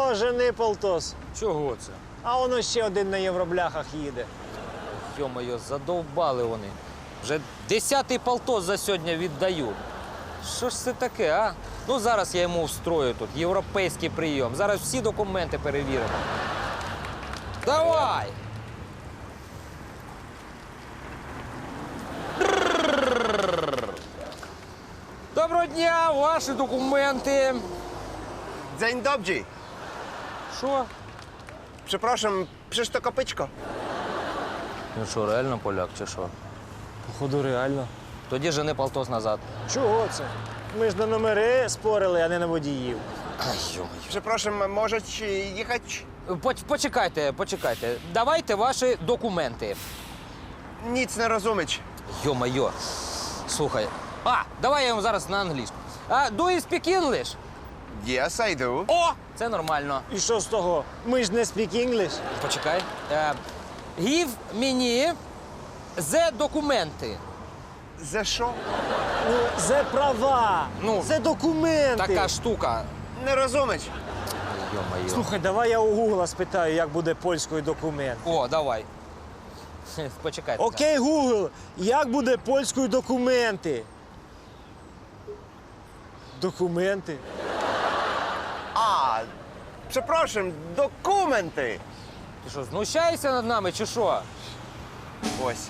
О, жени полтос. Чого це? А воно ще один на євробляхах їде. Йо-моє, задовбали вони. Вже 10-й полтос за сьогодні віддаю. Що ж це таке, а? Ну, зараз я йому встрою тут європейський прийом. Зараз всі документи перевіримо. Давай! Доброго дня, ваші документи. Dzień dobry. Що? Przepraszam, przecież to kopyczko. Ну що, реально поляк чи що? Походу, реально. Тоді жени полтос назад. Чого це? Ми ж на номери спорили, а не на водіїв. Ай, йо-моє. Przepraszam, możecie jechać? Почекайте. Давайте ваші документи. Nic nie rozumieć. Йо-моє. Слухай. Давай я йому зараз на англійську. Do you speak English? Yes, I do. О! Це нормально. І що з того? Ми ж не speak English. Почекай. Give мені the документи. Ze що? Ну, це права, Ну, це документи. Така штука. Не rozumieć. Йо-моє. Слухай, давай я у Гугла спитаю, як буде польською документ. О, давай. Почекайте. Окей, Гугл, як буде польською документи? Документи? A, przepraszam, dokumenty. Ти що, знущаєшся над нами чи що? Ось.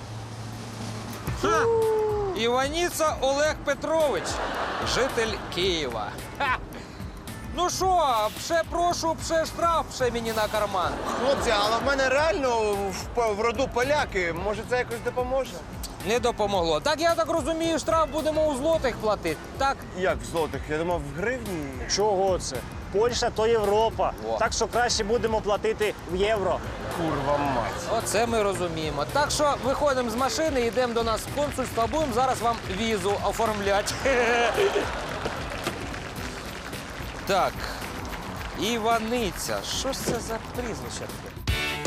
Іваніца Олег Петрович, житель Києва. Ха! Ну що, пше прошу, пше штраф, пше мені на карман. Хлопці, але в мене реально в роду поляки. Може, це якось допоможе? Не допомогло. Так, я так розумію, штраф будемо у злотих платити, так? Як в злотих? Я думав, в гривні. Чого це? Польща то Європа. О. Так що краще будемо платити в євро. Курва мать. Оце ми розуміємо. Так що виходимо з машини, йдемо до нас в консульство, будемо зараз вам візу оформляти. Так, Іваниця. Що ж це за прізвище таке?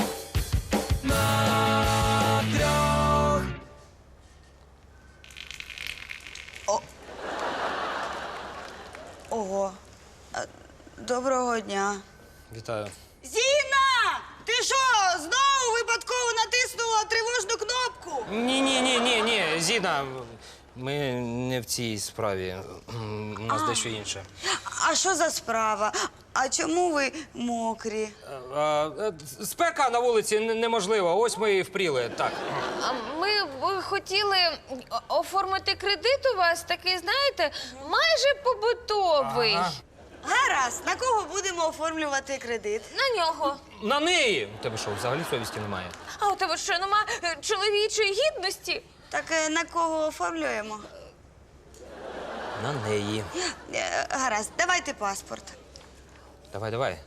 Ого. Доброго дня. Вітаю. Зіна! Ти що, знову випадково натиснула тривожну кнопку? Ні, Зіна, ми не в цій справі. У нас дещо інше. А що за справа? А чому ви мокрі? Спека на вулиці неможлива. Ось ми і впріли. Так. А ми б хотіли оформити кредит у вас, такий, знаєте, майже побутовий. Ага. Гаразд, на кого будемо оформлювати кредит? На нього. На неї! У тебе що, взагалі совісті немає? А у тебе що, нема чоловічої гідності? Так на кого оформлюємо? На неї. Гаразд, давайте паспорт. Давай.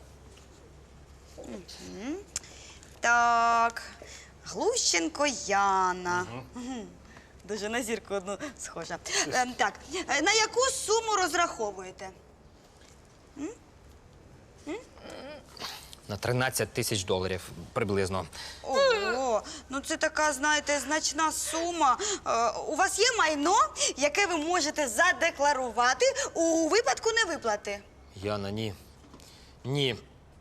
Так, Глущенко Яна. Мгм. Дуже на зірку одну схожа. Так, на яку суму розраховуєте? На 13 тисяч доларів приблизно. Ого, ну це така, знаєте, значна сума. У вас є майно, яке ви можете задекларувати у випадку невиплати? Яна, ні. Ні.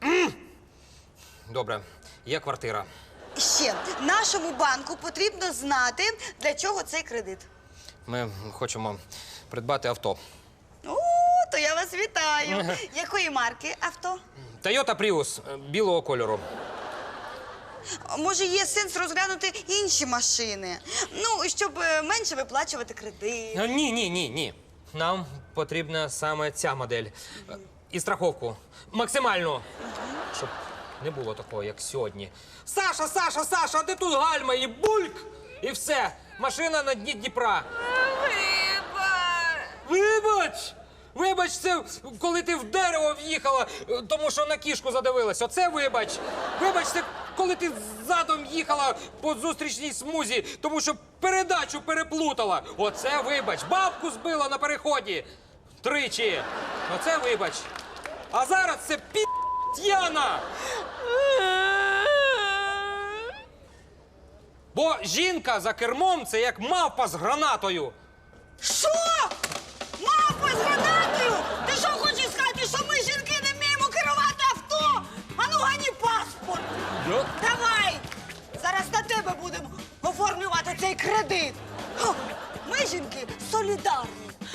Добре, є квартира. Ще, нашому банку потрібно знати, для чого цей кредит. Ми хочемо придбати авто. О, то я вас вітаю. Якої марки авто? Toyota Prius білого кольору. Може, є сенс розглянути інші машини? Ну, щоб менше виплачувати кредит. Ні. Нам потрібна саме ця модель. І страховку. Максимальну. Щоб не було такого, як сьогодні. Саша, де тут гальма і бульк? І все. Машина на дні Дніпра. Вибач, це коли ти в дерево в'їхала, тому що на кішку задивилась. Оце вибач. Вибач, це коли ти задом їхала по зустрічній смузі, тому що передачу переплутала. Оце вибач. Бабку збила на переході. 3. Оце вибач. А зараз це Яна. Бо жінка за кермом – це як мавпа з гранатою. Що? Мавпа з гранатою? Ти що хочеш сказати, що ми, жінки, не вміємо керувати кредит. Ха, ми, жінки, солідарні.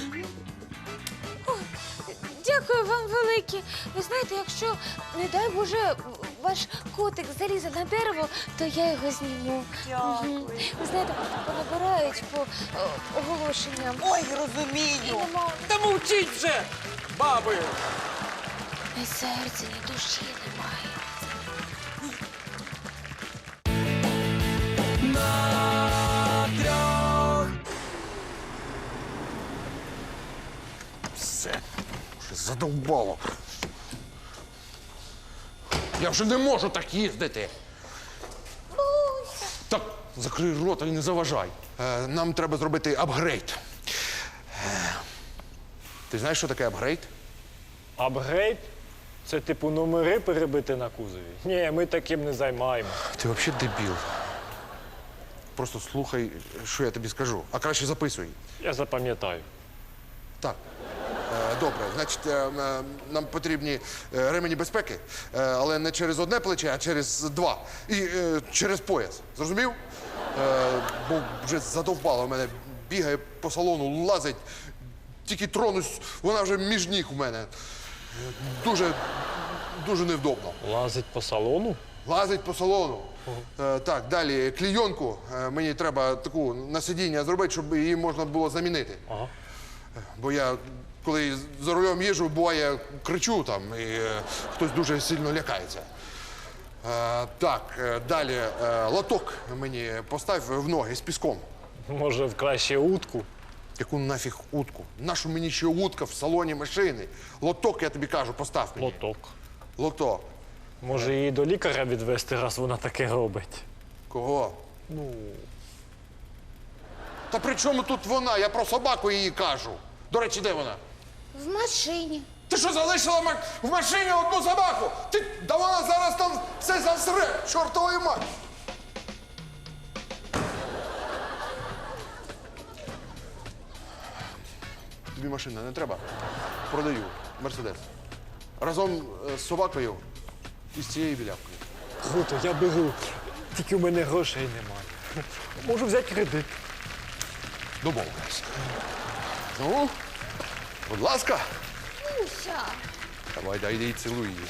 Дякую вам велике. Ви знаєте, якщо, не дай Боже, ваш котик залізе на дерево, то я його зніму. Дякую. Мгм. Ви знаєте, понабирають по оголошенням. Ой, розумію. Нема Та мовчіть вже, баби! ні серця, ні душі немає. Все, вже задовбало. Я вже не можу так їздити. Так, закрий рота і не заважай. Нам треба зробити апгрейд. Ти знаєш, що таке апгрейд? Апгрейд? Це типу номери перебити на кузові? Ні, ми таким не займаємося. Ти взагалі дебіл. Просто слухай, що я тобі скажу, а краще записуй. Я запам'ятаю. Так. Добре, значить, нам потрібні ремені безпеки, але не через одне плече, а через два. І через пояс. Зрозумів? Бо вже задовбало мене, бігає по салону, лазить. Тільки тронусь, вона вже між ніг у мене. Дуже невдобно. Лазить по салону? Лазить по салону. Так, далі клійонку. Мені треба таку на сидіння зробити, щоб її можна було замінити. Ага. Бо я, коли за рулем їжджу, буває, кричу там, і хтось дуже сильно лякається. Так, далі лоток мені постав в ноги з піском. Може, в краще утку? Яку нафіг утку? Нашу мені ще утка в салоні машини. Лоток, я тобі кажу, постав мені. Лоток. Лоток. Може, її до лікаря відвести, раз вона таке робить? Кого? Та при чому тут вона? Я про собаку її кажу. До речі, де вона? В машині. Ти що, залишила в машині одну собаку? Да вона зараз там все засре, чортової мать! Тобі машина не треба? Продаю. Мерседес. Разом з собакою і з цією білявкою. Круто, я беру. Тільки у мене грошей немає. Можу взяти кредит. Домовились. Ну, будь ласка. Давай, дай йди і цілуй її.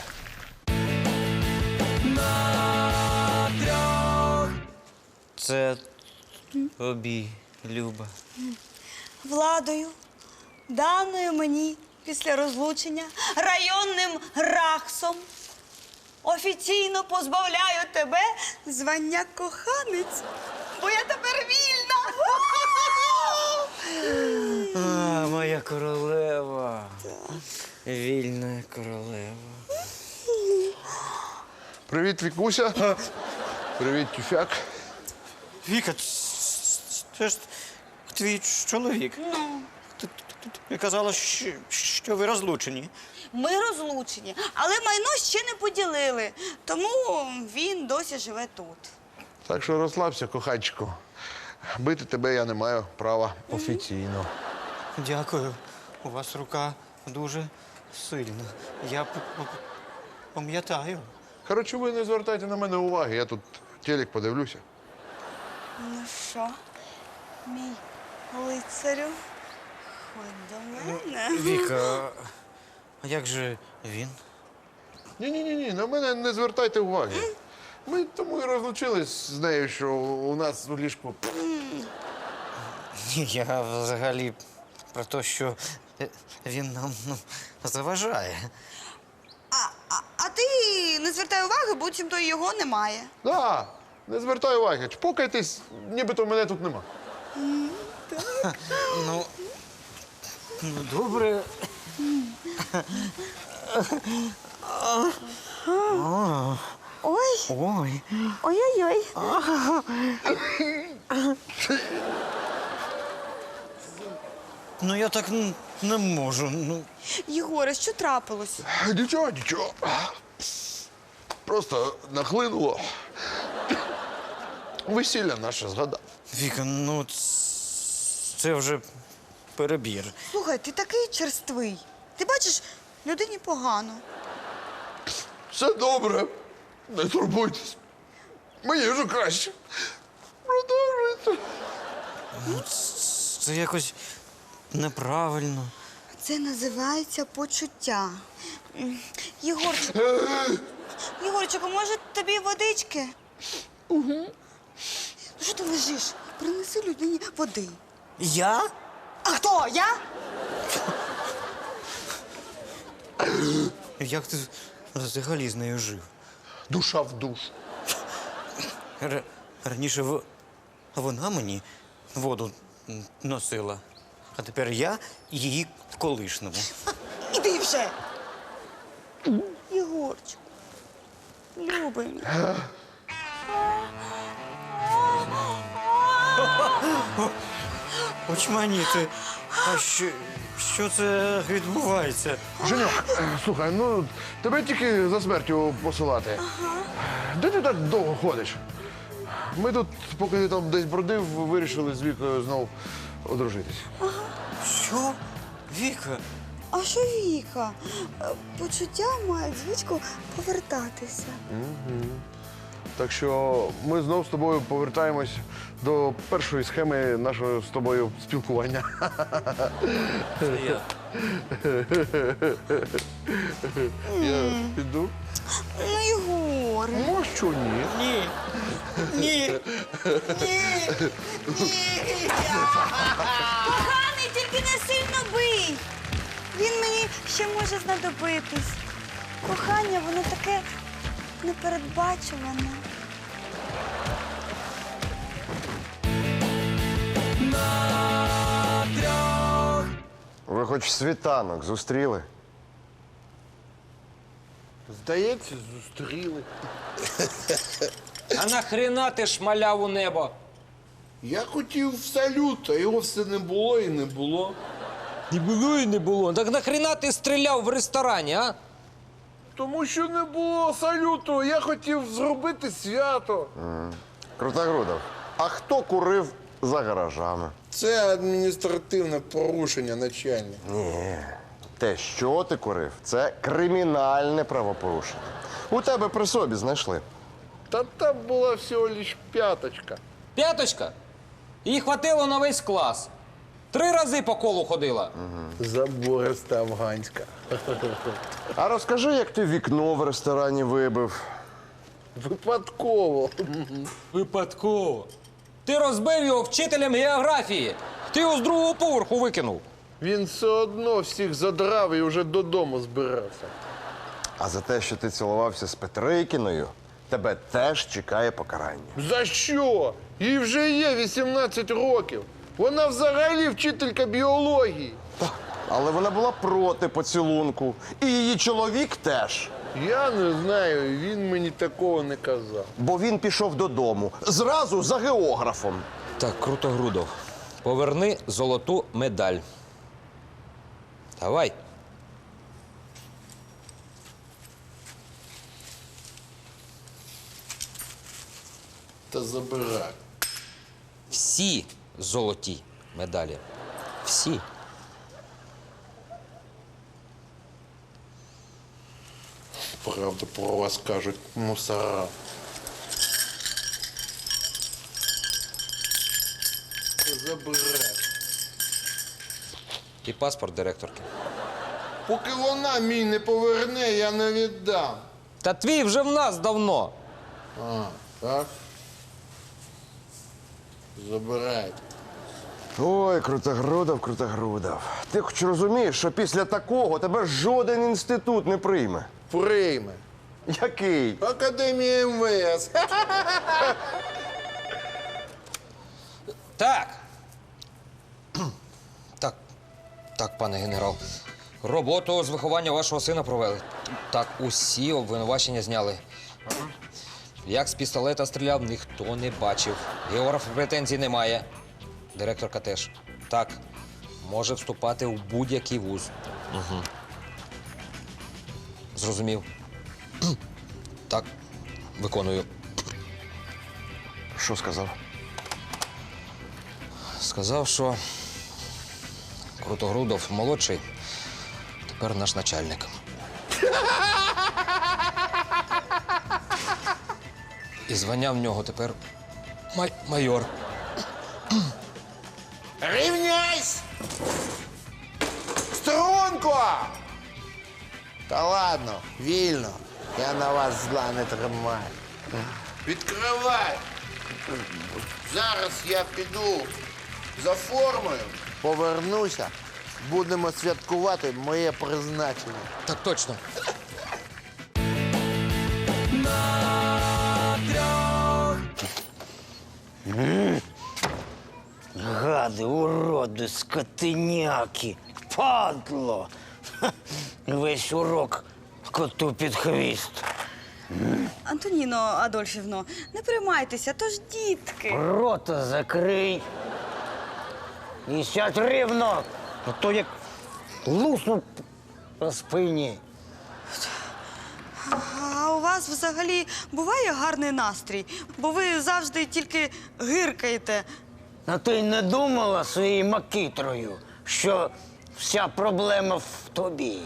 Це тобі, Люба. Владою, даною мені після розлучення районним РАХСом, офіційно позбавляю тебе звання коханець, бо я тепер вільна. А, моя королева. Вільна королева. Привіт, Вікуся. Привіт, Тюфяк. Віка, це ж твій чоловік. Ти казала, що ви розлучені. Ми розлучені, але майно ще не поділили, тому він досі живе тут. Так що розслабся, коханчику. Бити тебе я не маю права офіційно. Дякую. У вас рука дуже сильна. Я пам'ятаю. Коротше, ви не звертайте на мене уваги, я тут телек подивлюся. Ну що, мій лицарю, ходь до мене. Віка, а як же він? Ні, на мене не звертайте уваги. Ми тому і розлучились з нею, що у нас у ліжку. Ні, я взагалі про те, що він нам заважає. А ти не звертай уваги, буцімто його немає. Да, не звертай уваги. Чпокайтесь, нібито мене тут нема. Ну, добре. Ой, Ой. ой-ой-ой. Ну я так не можу. Ну, Єгоре, що трапилось? Нічого. Просто нахлинуло. Весілля наше згадав. Віка, ну це вже перебір. Слухай, ти такий черствий. Ти бачиш, людині погано. Все добре. Не турбуйтесь. Мені вже краще. Продовжуйте. Це якось неправильно. Це називається почуття. Єгорчику, Єгорчику, може тобі водички? Угу. Ну що ти лежиш? Принеси людині води. Я? А хто? Я? Як ти взагалі з нею жив? Душа в душу. Раніше вона мені воду носила, а тепер я її колишному. Іди вже. Єгорчику, любий мій. Очманіти. А що це відбувається? Женьок, слухай, ну тебе тільки за смертю посилати. Де ти так довго ходиш? Ми тут, поки ти там десь бродив, вирішили з Вікою знов одружитись. Що? Віка? А що Віка? Почуття мають звичку повертатися. Так що ми знов з тобою повертаємось до першої схеми нашого з тобою спілкування. Я. Я піду. Ну, Єгор. Ну, що ні? Ні. Ні. Коханий, тільки не сильно бий. Він мені ще може знадобитись. Кохання, воно таке непередбачуване. Ви хоч світанок зустріли? Здається, зустріли. А нахрена ти шмаляв у небо? Я хотів салют, а його все не було і не було. Не було і не було. Так нахрена ти стріляв в ресторані, а? Тому що не було салюту, я хотів зробити свято. Крутогрудов, а хто курив за гаражами? Це адміністративне порушення, начальник. Ні. Те, що ти курив, це кримінальне правопорушення. У тебе при собі знайшли. Та там була всього лиш п'яточка. П'яточка? Їй хватило на весь клас. 3 рази по колу ходила. Забориста афганська. А розкажи, як ти вікно в ресторані вибив. Випадково. Випадково. Ти розбив його вчителем географії. Ти його з 2-го поверху викинув. Він все одно всіх задрав і вже додому збирався. А за те, що ти цілувався з Петрикіною, тебе теж чекає покарання. За що? Їй вже є 18 років. Вона взагалі вчителька біології. Але вона була проти поцілунку. І її чоловік теж. Я не знаю, він мені такого не казав. Бо він пішов додому. Зразу за географом. Так, Крутогрудов, поверни золоту медаль. Давай. Та забирай. Всі золоті медалі. Всі. Правда про вас кажуть мусора. Та забирай. І паспорт директорки. Поки вона мій не поверне, я не віддам. Та твій вже в нас давно. А, так? Забирайте. Ой, Крутогрудов. Ти хоч розумієш, що після такого тебе жоден інститут не прийме. Прийме. Який? Академія МВС. Так. Так, пане генерал. Роботу з виховання вашого сина провели. Так, усі обвинувачення зняли. Як з пістолета стріляв, ніхто не бачив. Географ претензій немає. Директорка теж. Так, може вступати у будь-який вуз. Угу. Зрозумів. Так, виконую. Що сказав? Сказав, що Крутогрудов молодший, тепер наш начальник. І звання в нього тепер майор. Рівняйсь! Струнко! Та ладно, вільно. Я на вас зла не тримаю. Відкривай! Зараз я піду за формою, повернуся, будемо святкувати моє призначення. Так точно. Гади, уроди, скотиняки, падло. Ха, весь урок коту під хвіст. Антоніно Адольфівно, не приймайтеся, то ж дітки. Рота закрий. І сядь рівно, а то як лусну по спині. А у вас взагалі буває гарний настрій, бо ви завжди тільки гиркаєте. А ти не думала своєю макітрою, що вся проблема в тобі?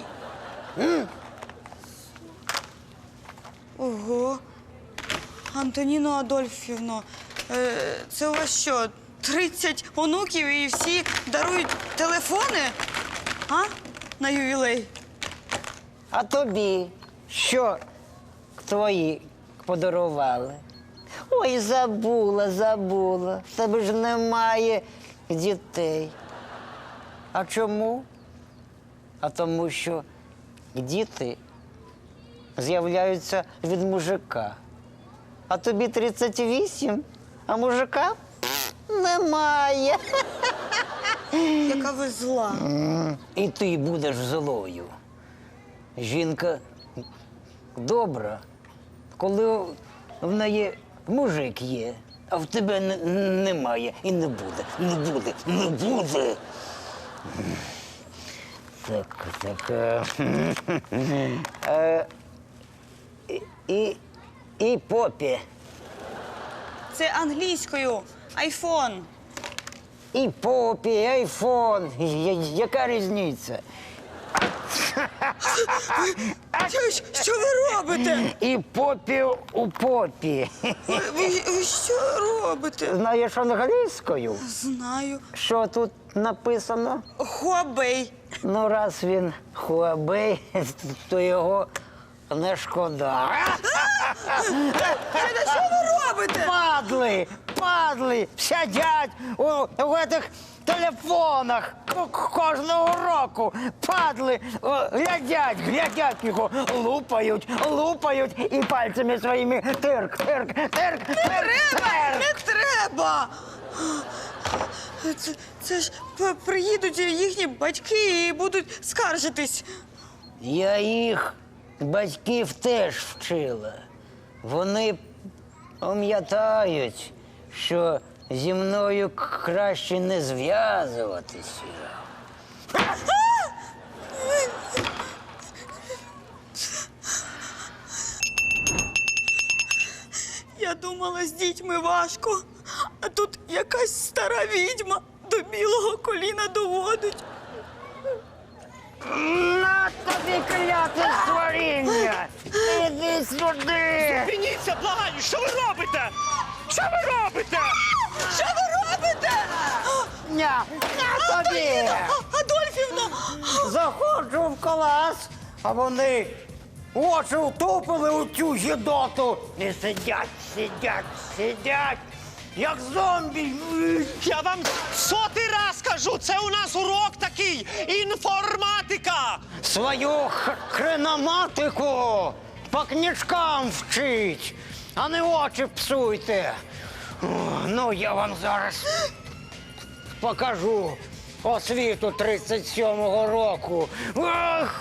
Ого. Антоніно Адольфівно, це у вас що, 30 онуків і всі дарують телефони? А? На ювілей? А тобі що твої подарували? Ой, забула. В тебе ж немає дітей. А чому? А тому що діти з'являються від мужика. А тобі 38, а мужика немає. Яка ви зла. І ти будеш злою. Жінка добра, коли в неї мужик є, а в тебе немає і не буде. Не буде. І попі. Це англійською. Айфон. І попі, і айфон. Яка різниця? Що ви робите? І попі у попі. Ви що робите? Знаєш англійською? Знаю. Що тут написано? Хуабей. Ну, раз він Хуабей, то його не шкода. Що ви робите? Падли, сидять у этих телефонах кожного року. Падли, глядять його, лупають і пальцями своїми тирк. Не треба! Це ж приїдуть їхні батьки і будуть скаржитись. Я їх батьків теж вчила. Вони пам'ятають, що зі мною краще не зв'язуватися. Я думала, з дітьми важко, а тут якась стара відьма до білого коліна доводить. На тобі кляте створіння! Іди сюди! Зупиніться, благаю! Що ви робите? Що ви робите? Що ви робите? На тобі! Адольфівна! Заходжу в клас, а вони очі втупили у цю гідоту і сидять, як зомбі. Я вам сотий раз кажу, це у нас урок такий, інформатика. Свою хреноматику по книжкам вчить, а не очі псуйте. О, ну, я вам зараз покажу освіту 37-го року. Ах!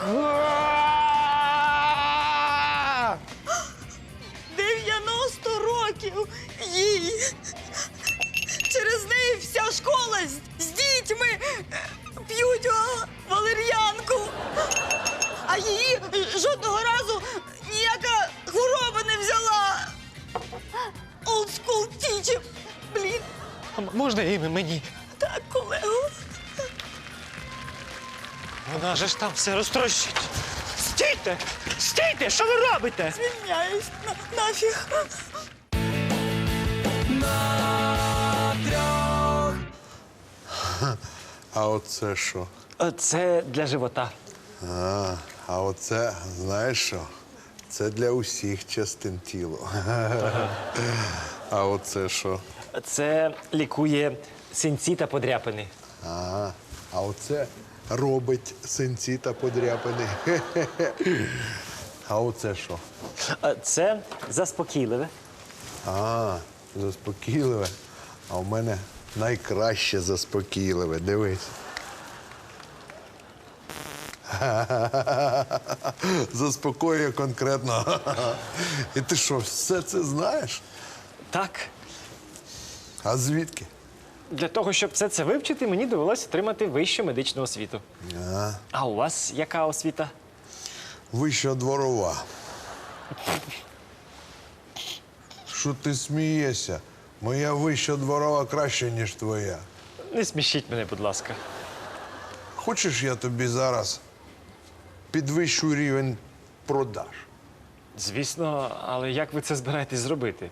90 років їй. Через неї вся школа з дітьми п'ють валер'янку. А її жодного разу ніяка хвороба не взяла. Old school teacher. Блін. Можна і мені? Так, колего. Вона же ж там все розтрощить. Стійте! Стійте! Що ви робите? Звільняюсь. Нафіг. А оце що? Це для живота. А оце, знаєш що? Це для усіх частин тіла. А оце що? Це лікує синці та подряпини. А оце робить синці та подряпини. А оце що? Це заспокійливе. Заспокійливе. А у мене найкраще заспокійливе. Дивись. Заспокоює конкретно. І ти що, все це знаєш? Так. А звідки? Для того, щоб все це вивчити, мені довелося отримати вищу медичну освіту. А у вас яка освіта? Вища дворова. Що ти смієшся? Моя вища дворова краще, ніж твоя. Не смішіть мене, будь ласка. Хочеш, я тобі зараз підвищу рівень продаж? Звісно, але як ви це збираєтесь зробити?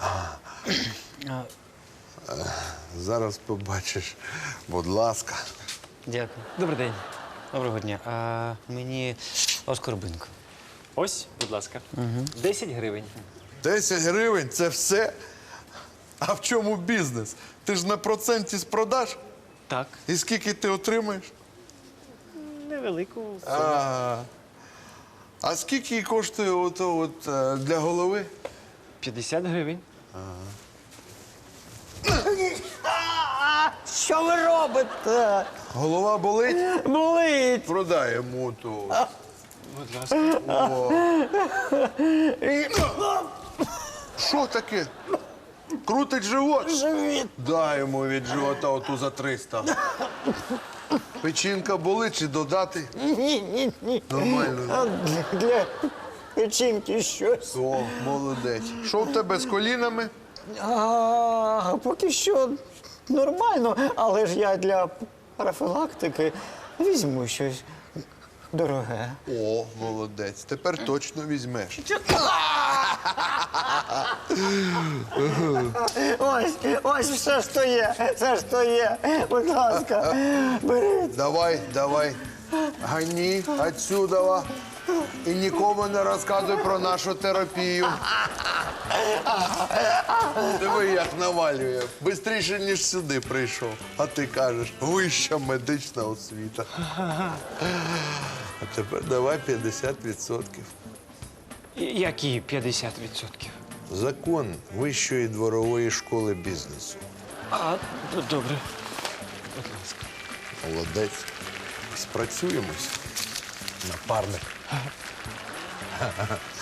Зараз побачиш. Будь ласка. Дякую. Добрий день. Доброго дня. А мені оскорбинку. Ось, будь ласка. 10 гривень. 10 гривень це все? А в чому бізнес? Ти ж на проценті з продаж? Так. І скільки ти отримаєш? Невелику. А скільки коштує ото для голови? 50 гривень. Що ви робите? Голова болить? Болить! Продай йому ту. Будь ласка. Що таке? Крутить живот? Живіт! Дай йому від живота оту за 300. Печінка болить чи додати? Ні. Нормально. Для печінки щось. О, молодець. Що в тебе з колінами? Поки що нормально, але ж я для профілактики візьму щось дороге. О, молодець. Тепер точно візьмеш. Ось все, що є, все, що є. Будь ласка, беріть. Давай. Гані отсюда. І нікому не розказуй про нашу терапію. Диви, як навалює. Бистріше, ніж сюди прийшов. А ти кажеш, вища медична освіта. А тепер давай 50%. Які 50%? Закон Вищої дворової школи бізнесу. Добре. Будь ласка. Молодець. Спрацюємось, напарник.